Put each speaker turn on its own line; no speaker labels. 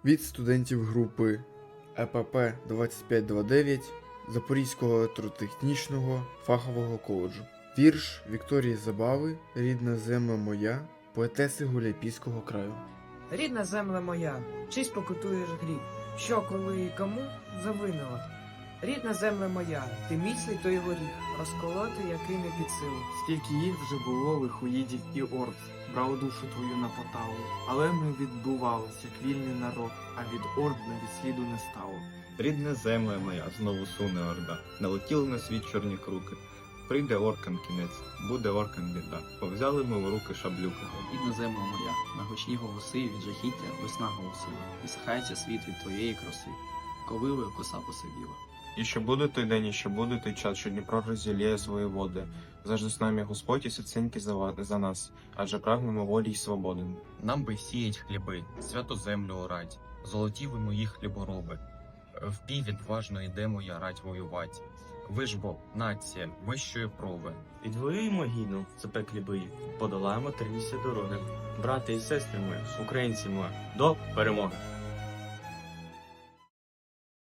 від студентів групи ЕПП 2529 Запорізького електротехнічного фахового коледжу. Вірш Вікторії Забави «Рідна земля моя», поетеси Гуляйпійського краю.
Рідна земля моя, чи спокутуєш гріх, що коли і кому завинила? Рідна земля моя, ти міцний той горіх, розколоти, який не під силу.
Скільки їх вже було лихоїдів і орд, брали душу твою на поталу. Але ми відбувались, як вільний народ, а від орд навіть сліду не стало.
Рідна земля моя, знову суне орда, налетіли на світ чорні круки. Прийде оркам кінець, буде оркам біда. Повзяли ми в руки шаблюки.
Рідна земля моя, на гучні голоси від жахіття весна голосила. Висихається світ від твоєї краси, ковилою коса посивіла.
І ще буде той день, і ще буде той час, що Дніпро розділяє свої води. Завжди з нами Господь і серценьки за нас, адже прагнемо волі й свободи.
Нам би сіять хліби, святу землю орать, золоті ви мої хлібороби. В бій відважно йдемо я рать воювать. Ви ж бо, нація, вищої прови.
Відвоюємо гідно запеклі бої, подолаємо терністі дороги. Брати і сестри ми, українці ми, до перемоги!